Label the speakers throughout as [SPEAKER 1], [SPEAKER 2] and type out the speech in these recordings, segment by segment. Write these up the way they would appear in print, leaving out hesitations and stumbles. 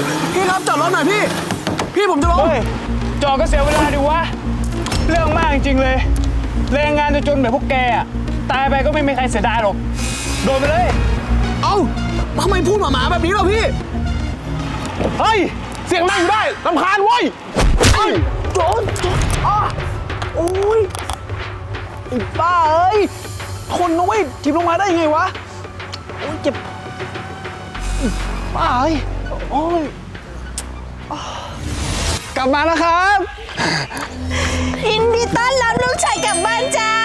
[SPEAKER 1] พี่ครับจอดรถหน่อยพี่ผมจะลง
[SPEAKER 2] เฮ้ยจอดก็เสียเวลาดิวะเรื่องมากจริงๆเลยแรงงานจนแบบพวกแกอะตายไปก็ไม่มีใครเสียดายหรอกโดนไปเลย
[SPEAKER 1] เอ้าทำไมพูดหมาๆแบบนี้ล่ะพี่เฮ้ยเสียงดังอยู่ได้รำคาญเว้ยโจรโอ้ยไอ้บ้าเอ้ยทนนะเว้ยทิมลงมาได้ยังไงวะโอ้ยเจ็บบ้าเอ้ยโอ้ยกลับมาแล้วครับ
[SPEAKER 3] ยินดีต้อนรับลูกชายกลับบ้านจ้า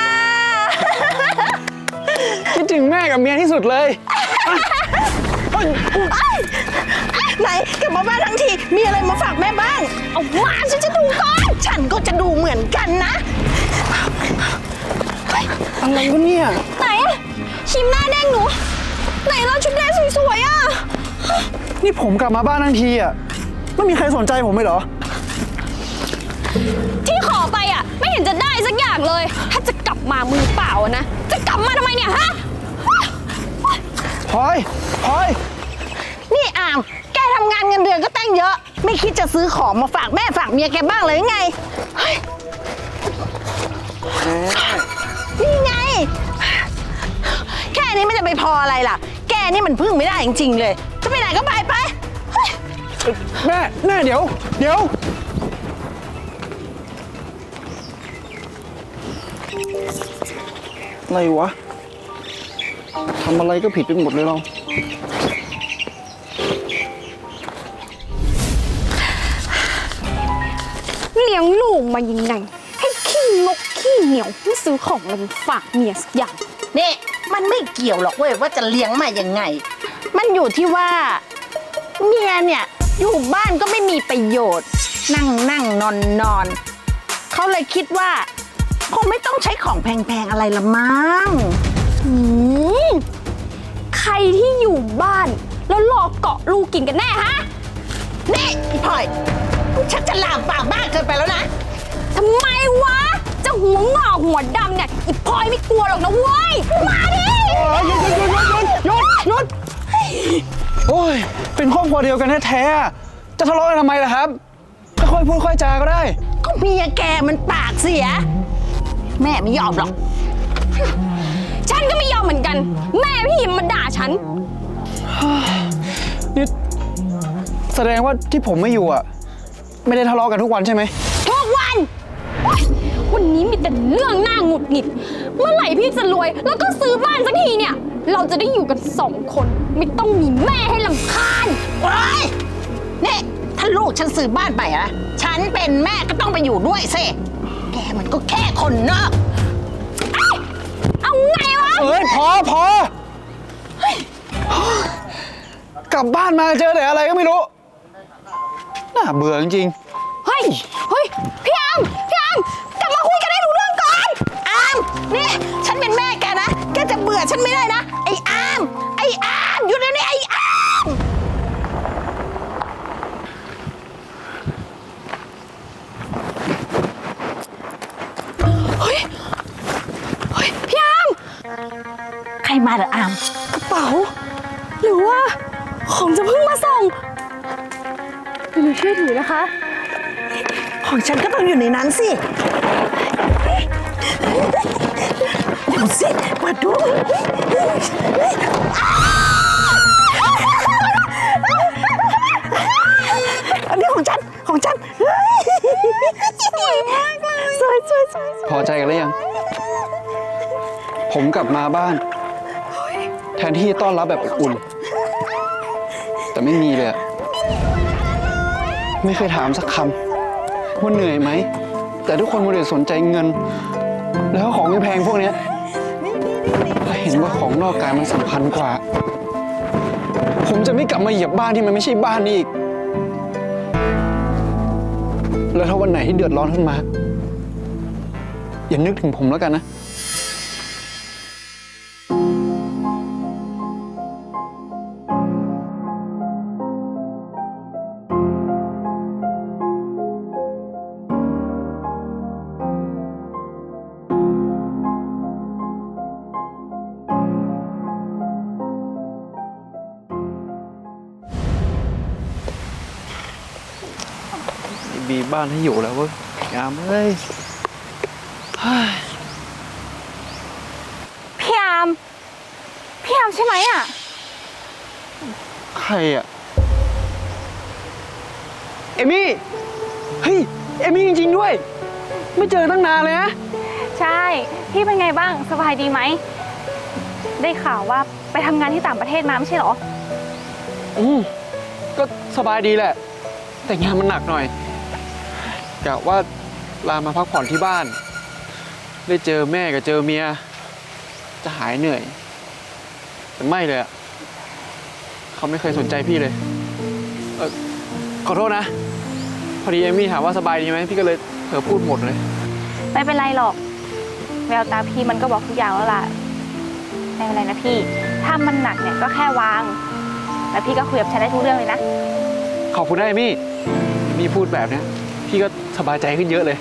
[SPEAKER 1] คิดถึงแม่กับเมียที่สุดเลย
[SPEAKER 3] ไหนกลับมาบ้านทั้งทีมีอะไรมาฝากแม่บ้างเอามาฉันจะดูก่อนฉันก็จะดูเหมือนกันนะ
[SPEAKER 1] อะไรวะเนี่ย
[SPEAKER 3] ไหนชิมหน้าแดงหนูไหนเราชุดแดงสวยๆอ่ะ
[SPEAKER 1] นี่ผมกลับมาบ้านทั้งทีอ่ะไม่มีใครสนใจผมเลยเหรอ
[SPEAKER 3] ที่ขอไปอ่ะไม่เห็นจะได้สักอย่างเลยถ้าจะกลับมามือเปล่านะจะกลับมาทำไมเนี่ยฮะ
[SPEAKER 1] พลอย
[SPEAKER 3] นี่อามแกทำงานเงินเดือนก็ตั้งเยอะไม่คิดจะซื้อของมาฝากแม่ฝากเมียแกบ้างเลยไงนี่ไงแค่นี้ไม่จะไปพออะไรล่ะแกนี่มันพึ่งไม่ได้จริงๆเลยจะไปไหนก็ไป
[SPEAKER 1] แม่เดี๋ยวอะไรวะทำอะไรก็ผิดไปหมดเลยเรา
[SPEAKER 3] เลี้ยงลูกมายังไงให้ขี้งกขี้เหนียวไม่ซื้อของอะไรมาฝากเมียสักอย่างนี่มันไม่เกี่ยวหรอกเว้ยว่าจะเลี้ยงมายังไงมันอยู่ที่ว่าเมียเนี่ยอยู่บ้านก็ไม่มีประโยชน์นั่งนอนเขาเลยคิดว่าคงไม่ต้องใช้ของแพงๆอะไรละมั้งใครที่อยู่บ้านแล้วรอเกาะลูกกินกันแน่ฮะนี่พี่พลอยฉันจะลามปากบ้าเกินไปแล้วนะทำไมวะจะหัวงอกหัวดำเนี่ยอีพลอยไม่กลัวหรอกนะเว้ยมาดิ
[SPEAKER 1] หยุดโอ้ยเป็นครอบครัวเดียวกันแท้ๆจะทะเลาะกันทำไมล่ะครับค่อยพูดค่อยจาก็ได้
[SPEAKER 3] ก็เมียแกมันปากเสียแม่ไม่ยอมหรอกฉันก็ไม่ยอมเหมือนกันแม่พี่มาด่าฉัน
[SPEAKER 1] นี่แสดงว่าที่ผมไม่อยู่อ่ะไม่ได้ทะเลาะกันทุกวันใช่ไหม
[SPEAKER 3] ทุกวันวันนี้มีแต่เรื่องน่าหงุดหงิดเมื่อไหร่พี่จะรวยแล้วก็ซื้อบ้านสักทีเนี่ยเราจะได้อยู่กัน2 คนไม่ต้องมีแม่ให้รำคาญว้ายนี่ถ้าลูกฉันซื้อบ้านไปอะฉันเป็นแม่ก็ต้องไปอยู่ด้วยสิแกมันก็แค่คนนอกเอาไงวะ
[SPEAKER 1] พอกลับบ้านมาเจอแต่อะไรก็ไม่รู้น่าเบื่อจริง
[SPEAKER 3] ๆเฮ้ยพี่อามกลับมาคุยกันให้รู้เรื่องก่อนอามนี่ฉันเป็นแม่แกนะแกจะเบื่อฉันไม่ได้นะไอ้อามหยุดเดี๋ยวนี้ไอ้อามเฮ้ยพี่อามใครมาเหรออามกระเป๋าหรือว่าของจะเพิ่งมาส่งหนูช่วยถือนะคะของฉันก็ต้องอยู่ในนั้นสิเดี๋ยวสิมาดูอันนี้ของฉันสวยมากเลยสวย
[SPEAKER 1] พอใจกันหรือยังผมกลับมาบ้านแทนที่ต้อนรับแบบอบอุ่นแต่ไม่มีเลยไม่เคยถามสักคำว่าเหนื่อยไหมแต่ทุกคนมัวแต่สนใจเงินแล้วของแพงพวกนี้ถ้าเห็นว่าของนอกกายมันสำคัญกว่าผมจะไม่กลับมาเหยียบบ้านที่มันไม่ใช่บ้านนี้อีกแล้วถ้าวันไหนที่เดือดร้อนขึ้นมาอย่านึกถึงผมแล้วกันนะ
[SPEAKER 4] มีบ้านให้อยู่แล้วเว้ยงามเอ้ย
[SPEAKER 5] พี่อามใช่ไหมอ่ะ
[SPEAKER 4] ใครอะเอมี่ เฮ้ย เอมี่จริงๆด้วย ไม่เจอตั้งนานเลยนะ
[SPEAKER 5] ใช่ พี่เป็นไงบ้างสบายดีไหม ได้ข่าวว่าไปทำงานที่ต่างประเทศมาไม่ใช่เหรอ
[SPEAKER 4] ก็สบายดีแหละ แต่งานมันหนักหน่อยกะว่าลามาพักผ่อนที่บ้าน ได้เจอแม่กับเจอเมีย จะหายเหนื่อย แต่ไม่เลยอะเขาไม่เคยสนใจพี่เลยขอโทษนะ พอดีเอมี่ถามว่าสบายดีไหมพี่ก็เลยเผลอพูดหมดเลย
[SPEAKER 5] ไม่เป็นไรหรอก แววตาพี่มันก็บอกทุกอย่างแล้วล่ะ ไม่เป็นไรนะพี่ ถ้ามันหนักเนี่ยก็แค่วาง แล้วพี่ก็คุยกับฉันได้ทุกเรื่องเลยนะ
[SPEAKER 4] ขอบคุณนะเอมี่พูดแบบเนี้ยพี่ก็สบายใจขึ้นเยอะเลย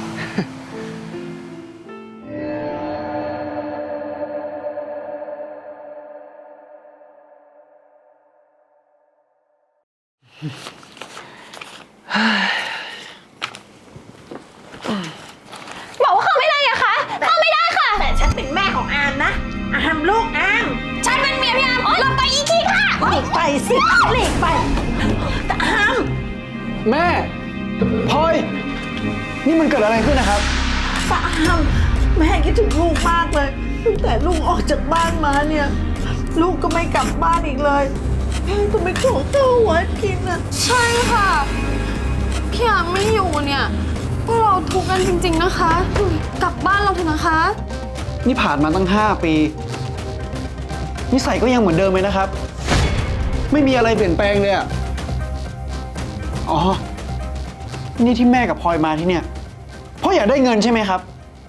[SPEAKER 5] บอกว่าเข้าไม่ได้อะคะ เข้าไม่ได้ค่ะ
[SPEAKER 3] แต่ฉันเป็นแม่ของอามนะ อามลูกอาม
[SPEAKER 5] ฉันเป็นเมียพี่อามลงไปอีกทีค่ะ
[SPEAKER 3] หลีกไปสิหลีกไปแต่อาม
[SPEAKER 4] แม่พลอย นี่มันเกิดอะไรขึ้นนะครับ
[SPEAKER 6] แต่อามแม่คิดถึงลูกมากเลยตั้งแต่ลูกออกจากบ้านมาเนี่ย ลูกก็ไม่กลับบ้านอีกเลยแม่ก็ไม่ขอข้าววัดกินอ่ะ
[SPEAKER 7] ใช่ค่ะ พี่อามไม่อยู่เนี่ยพวกเราทุกข์กันจริงๆนะคะ กลับบ้านเราเถอะนะคะ
[SPEAKER 4] นี่ผ่านมาตั้ง5 ปีนิสัยก็ยังเหมือนเดิมเลยนะครับ ไม่มีอะไรเปลี่ยนแปลงเลยอะอ๋อ นี่ที่แม่กับพลอยมาที่เนี่ยเพราะอยากได้เงินใช่ไหมครับ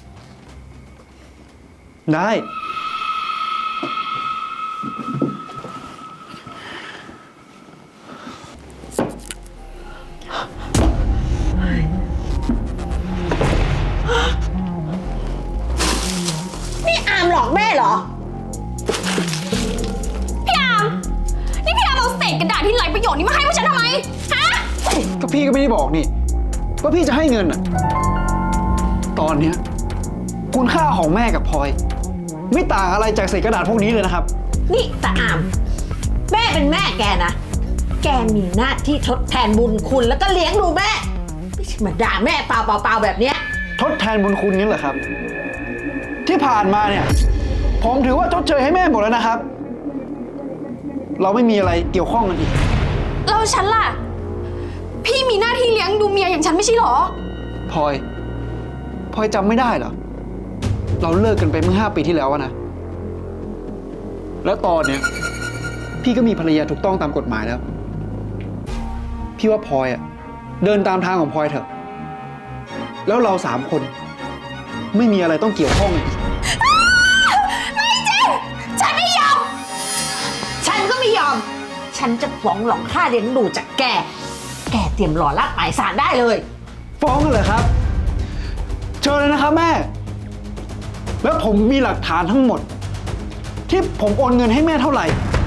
[SPEAKER 4] ได้
[SPEAKER 3] นี่อามหลอกแม่เหรอ
[SPEAKER 5] พี่อาม นี่พี่อามเอาเศษกระดาษที่ไร้ประโยชน์นี้มาให้พวกฉันทำไม ฮะ
[SPEAKER 4] ก็พี่ก็ไม่ได้บอกนี่ว่าพี่จะให้เงินอะตอนเนี้ยคุณค่าของแม่กับพลอย ไม่ต่างอะไรจากเศษกระดาษพวกนี้เลยนะครับ
[SPEAKER 3] นี่แต่อามแม่เป็นแม่แกนะ แกมีหน้าที่ทดแทนบุญคุณแล้วก็เลี้ยงดูแม่ ไม่ใช่มาด่าแม่เปล่าๆแบบเนี้ย
[SPEAKER 4] ทดแทนบุญคุณนี่เหรอครับ ที่ผ่านมาเนี่ยผมถือว่าชดเชยให้แม่หมดแล้วนะครับ เราไม่มีอะไรเกี่ยวข้องกันอีก
[SPEAKER 7] เราฉันล่ะ พี่มีหน้าที่เลี้ยงดูเมียอย่างฉันไม่ใช่เหรอ
[SPEAKER 4] พลอยจำไม่ได้เหรอ เราเลิกกันไปเมื่อ5 ปีที่แล้วอะนะ แล้วตอนเนี้ยพี่ก็มีภรรยาถูกต้องตามกฎหมายแล้ว พี่ว่าพลอยอะเดินตามทางของพลอยเถอะ แล้วเรา3 คน ไม่มีอะไรต้องเกี่ยวข้องอีก
[SPEAKER 3] ฉันไม่ยอม ฉันก็ไม่ยอม ฉันจะฟ้องหลอกค่าเลี้ยงดูจากแก แกเตรียมรอรับหมายสารได้เลย
[SPEAKER 4] ฟ้องกันเลยครับ เชิญเลยนะครับแม่ แล้วผมมีหลักฐานทั้งหมด ที่ผมโอนเงินให้แม่เท่าไหร่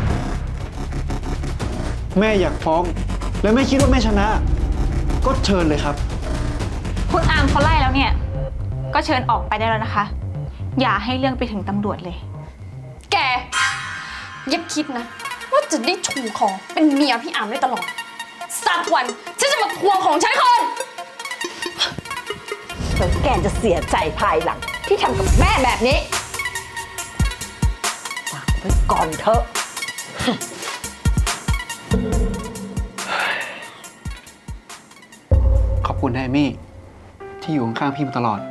[SPEAKER 4] แม่อยากฟ้อง และแม่คิดว่าแม่ชนะ ก็เชิญเลยครับ
[SPEAKER 5] คุณอามเขาไล่แล้วเนี่ย ก็เชิญออกไปได้แล้วนะคะ อย่าให้เรื่องไปถึงตำรวจเลย
[SPEAKER 7] แก อย่าคิดนะ ว่าจะได้ชูของเป็นเมียพี่อามได้ตลอด สักวันฉันจะมาทวงของฉันคืน
[SPEAKER 3] แล้วแกจะเสียใจภายหลังที่ทำกับแม่แบบนี้ฝากไว้ก่อนเถอะ
[SPEAKER 4] ขอบคุณนะเอมี่ ที่อยู่ข้างๆพี่มาตลอด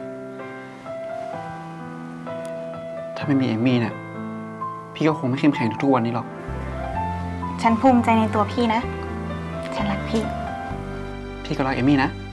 [SPEAKER 4] ถ้าไม่มีเอมี่เนี่ยพี่ก็คงไม่เข้มแข็งทุกๆวันนี้หรอก
[SPEAKER 5] ฉันภูมิใจในตัวพี่นะ ฉันรักพี่
[SPEAKER 4] พี่ก็รักเอมี่นะ